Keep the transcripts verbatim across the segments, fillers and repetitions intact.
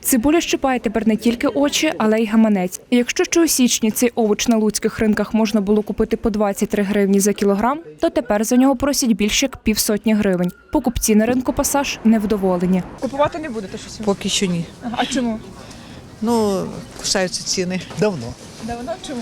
Цибуля щипає тепер не тільки очі, але й гаманець. І якщо ще у січні цей овоч на луцьких ринках можна було купити по двадцять три гривні за кілограм, то тепер за нього просять більше як півсотні гривень. Покупці на ринку «Пасаж» невдоволені. Купувати не будете щось? Поки що ні. А чому? Ну, кусаються ціни. Давно. Давно чому?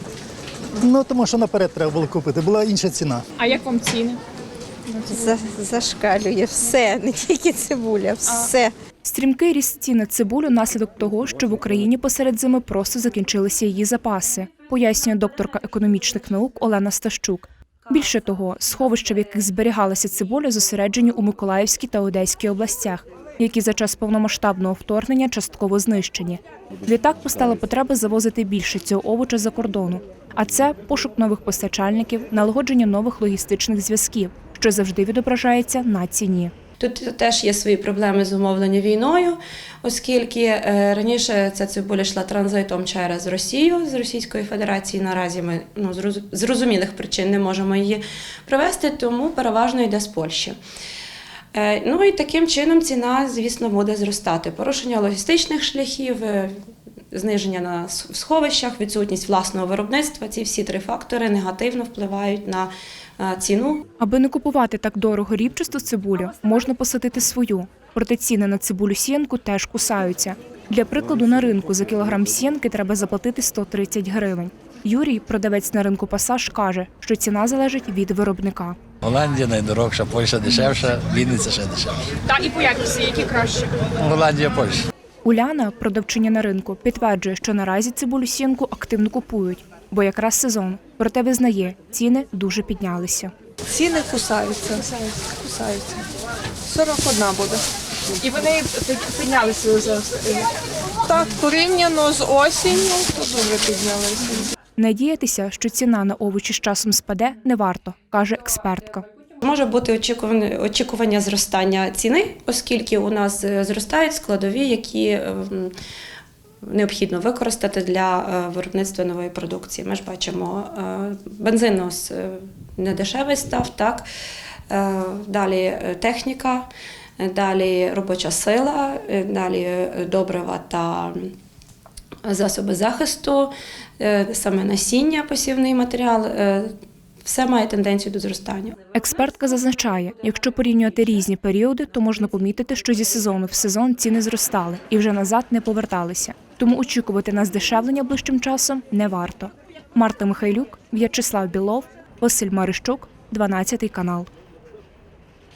Ну, тому що наперед треба було купити, була інша ціна. А як вам ціни? За- Зашкалює все, не тільки цибуля, все. Стрімкий ріст цін на цибулю – наслідок того, що в Україні посеред зими просто закінчилися її запаси, пояснює докторка економічних наук Олена Стащук. Більше того, сховища, в яких зберігалася цибуля, зосереджені у Миколаївській та Одеській областях, які за час повномасштабного вторгнення частково знищені. Відтак постала потреба завозити більше цього овоча за кордону. А це пошук нових постачальників, налагодження нових логістичних зв'язків, що завжди відображається на ціні. Тут теж є свої проблеми зумовлені війною, оскільки е, раніше ця цибуля йшла транзитом через Росію, з Російської Федерації. Наразі ми ну, з роз- зрозумілих причин не можемо її провести, тому переважно йде з Польщі. Е, ну і таким чином ціна, звісно, буде зростати. Порушення логістичних шляхів, е, зниження на с- в сховищах, відсутність власного виробництва – ці всі три фактори негативно впливають на е, ціну. Аби не купувати так дорого рібчасту цибулю, можна посадити свою. Проте ціни на цибулю сіянку теж кусаються. Для прикладу, на ринку за кілограм сіянки треба заплатити сто тридцять гривень. Юрій, продавець на ринку «Пасаж», каже, що ціна залежить від виробника. Голландія найдорожча, Польща дешевша, Вінниця ще дешевша. Та і по якості, які краще? Голландія, Польща. Уляна, продавчиня на ринку, підтверджує, що наразі цибулю сіянку активно купують, бо якраз сезон. Проте визнає, ціни дуже піднялися. Ціни кусаються. Кусаються. сорок одна буде. І вони піднялися за Так, порівняно з осінню, то дуже піднялися. Надіятися, що ціна на овочі з часом спаде, не варто, каже експертка. Може бути очікування, очікування зростання ціни, оскільки у нас е, зростають складові, які е, м, необхідно використати для е, виробництва нової продукції. Ми ж бачимо, е, бензин у нас е, недешевий став, так? Е, Далі е, техніка, е, далі робоча сила, е, далі е, добрива та засоби захисту, е, саме насіння, посівний матеріал е, – все має тенденцію до зростання. Експертка зазначає, якщо порівнювати різні періоди, то можна помітити, що зі сезону в сезон ціни зростали і вже назад не поверталися. Тому очікувати на здешевлення ближчим часом не варто. Марта Михайлюк, В'ячеслав Білов, Василь Марищук, дванадцятий канал.